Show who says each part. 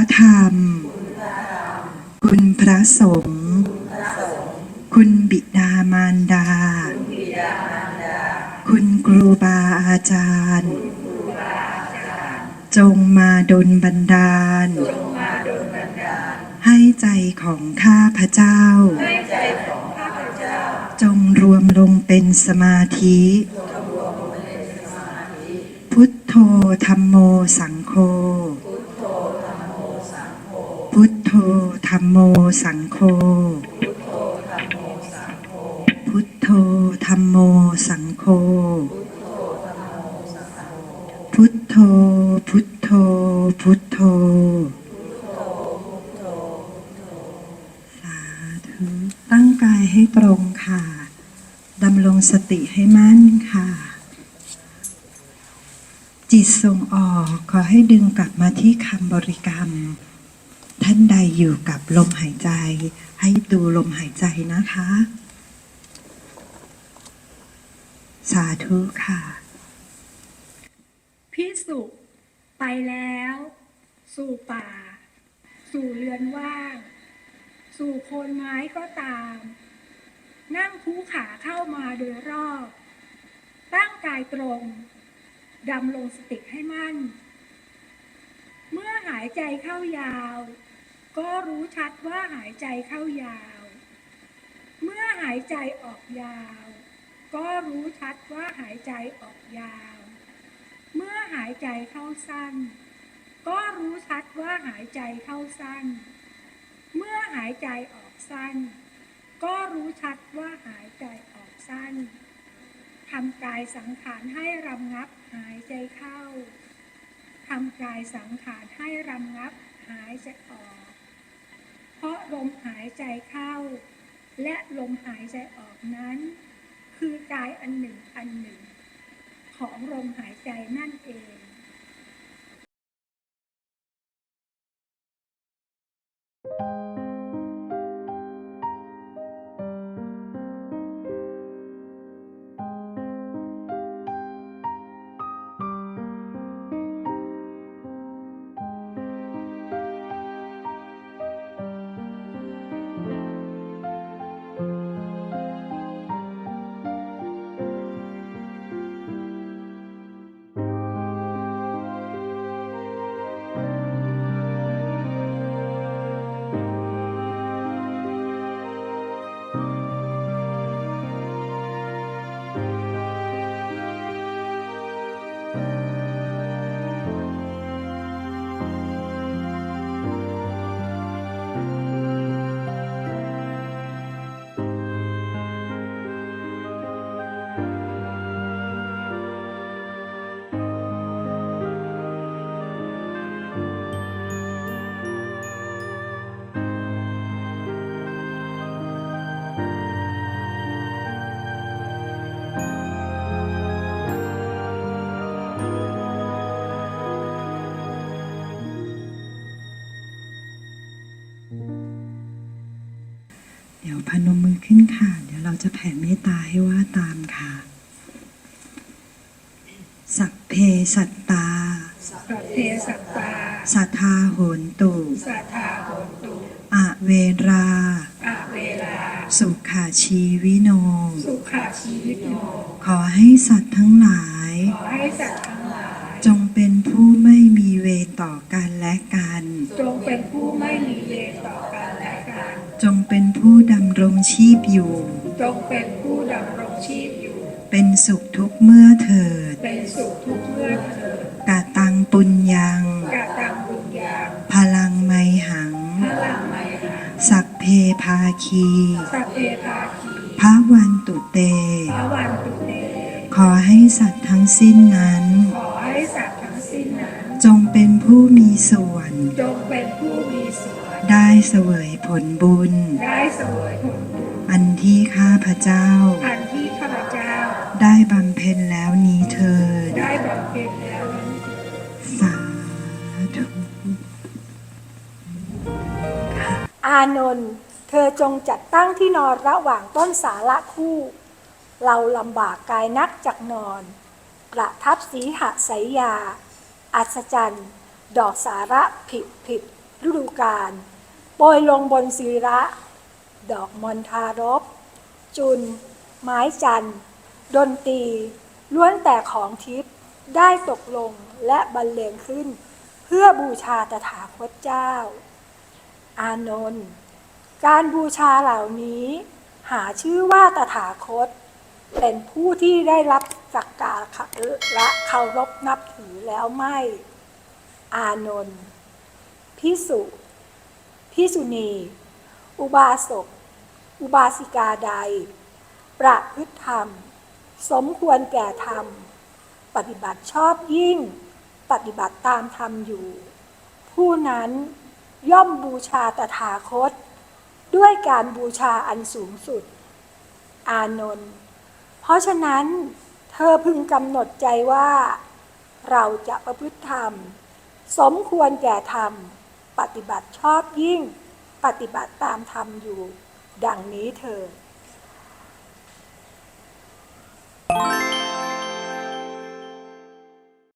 Speaker 1: ธรรมคุณพระสงฆ์คุณบิดามารดาคุณครูบาอาจารย์จงมาดลบันดาลให้ใจของข้าพเจ้าจงรวมลงเป็นสมาธิพุทโธธัมโมสังโฆพุทโธธัมโมสังโฆพุทโธธัมโมสังโฆพุทโธพุทโธพุทโธสาธุตั้งกายให้ตรงค่ะดำรงสติให้มั่นค่ะจิตส่งออกขอให้ดึงกลับมาที่คำบริกรรมท่านใดอยู่กับลมหายใจให้ดูลมหายใจนะคะสาธุค่ะ
Speaker 2: ภิกษุไปแล้วสู่ป่าสู่เรือนว่างสู่โคนไม้ก็ตามนั่งคู่ขาเข้ามาโดยรอบตั้งกายตรงดำรงสติให้มั่นเมื่อหายใจเข้ายาวก็รู้ชัดว่าหายใจเข้ายาวเมื่อหายใจออกยาวก็รู้ชัดว่าหายใจออกยาวเมื่อหายใจเข้าสั้นก็รู้ชัดว่าหายใจเข้าสั้นเมื่อหายใจออกสั้นก็รู้ชัดว่าหายใจออกสั้นทำกายสังขารให้รำงับหายใจเข้าทำกายสังขารให้รำงับหายใจออกเพราะลมหายใจเข้าและลมหายใจออกนั้นคือกายอันหนึ่งอันหนึ่งของลมหายใจนั่นเอง
Speaker 1: เดี๋ยวพนมมือขึ้นค่ะเดี๋ยวเราจะแผ่เมตตาให้ว่าตามค่ะสัพเพสัตตา
Speaker 2: สัพเพสัตตา
Speaker 1: สัทธาโหนตุ
Speaker 2: สัทธาโหนตุ
Speaker 1: อเวรา
Speaker 2: เวลา
Speaker 1: สุขาชีวิโน
Speaker 2: สุขาชีวิโน
Speaker 1: ขอให้สัตว์ทั้งหลาย
Speaker 2: ขอให้สัตว์ทั้งหลาย
Speaker 1: จงเป็นผู้ไม่มีเวรต่อกันและกัน
Speaker 2: จงเป็นผู้ไม่มีเวรต่อกันและกัน
Speaker 1: จงเป็นผู้ดำรงชีพอยู่
Speaker 2: จงเป็นผู้ดำรงชีพอยู่
Speaker 1: เป็นสุขทุกเมื่อเถิด
Speaker 2: เป็นสุขทุกเมื่อเถิด
Speaker 1: กะตังปุญญัง
Speaker 2: กะตังปุญญัง
Speaker 1: พลังไมหัง
Speaker 2: พลังไมหัง
Speaker 1: สัพเพภาคี
Speaker 2: สัพเพภาคี
Speaker 1: พระวันตุเต
Speaker 2: พระวันตุเต
Speaker 1: ขอให้สัตว์ทั้งสิ้นนั้น
Speaker 2: ขอให้สัตว์ทั้งสิ้นนั้น
Speaker 1: จงเป็นผู้มีส่วน
Speaker 2: จงเป็นผู้มีส่วน
Speaker 1: ได้เสวยผลบุญ
Speaker 2: ได้เสวยผลบุญ
Speaker 1: อันที่ข้าพเจ้า
Speaker 2: อันที่ข้าพเจ้า
Speaker 1: ได้บำเพ็ญแล้วนี้เถิด
Speaker 2: ได้บำเพ็ญแล้วนี้
Speaker 1: สาธุ
Speaker 2: อานนท์เธอจงจัดตั้งที่นอนระหว่างต้นสาระคู่เราลำบากกายนักจักนอนประทับสีหะไสยาอัศจรรย์ดอกสาระผิดฤดูกาลโปรยลงบนศิระดอกมณฑารพจุลไม้จันทร์ดนตรีล้วนแต่ของทิพย์ได้ตกลงและบรรเลงขึ้นเพื่อบูชาตถาคตเจ้าอานนท์การบูชาเหล่านี้หาชื่อว่าตถาคตเป็นผู้ที่ได้รับสักการะและเคารพนับถือแล้วไม่อานนท์ภิกษุภิกษุณีอุบาสกอุบาสิกาใดประพฤติธรรมสมควรแก่ธรรมปฏิบัติชอบยิ่งปฏิบัติตามธรรมอยู่ผู้นั้นย่อมบูชาตถาคตด้วยการบูชาอันสูงสุดอานนท์เพราะฉะนั้นเธอพึงกำหนดใจว่าเราจะประพฤติธรรมสมควรแก่ธรรมปฏิบัติชอบยิ่งปฏิบัติตามธรรมอยู่ดังนี้เถิด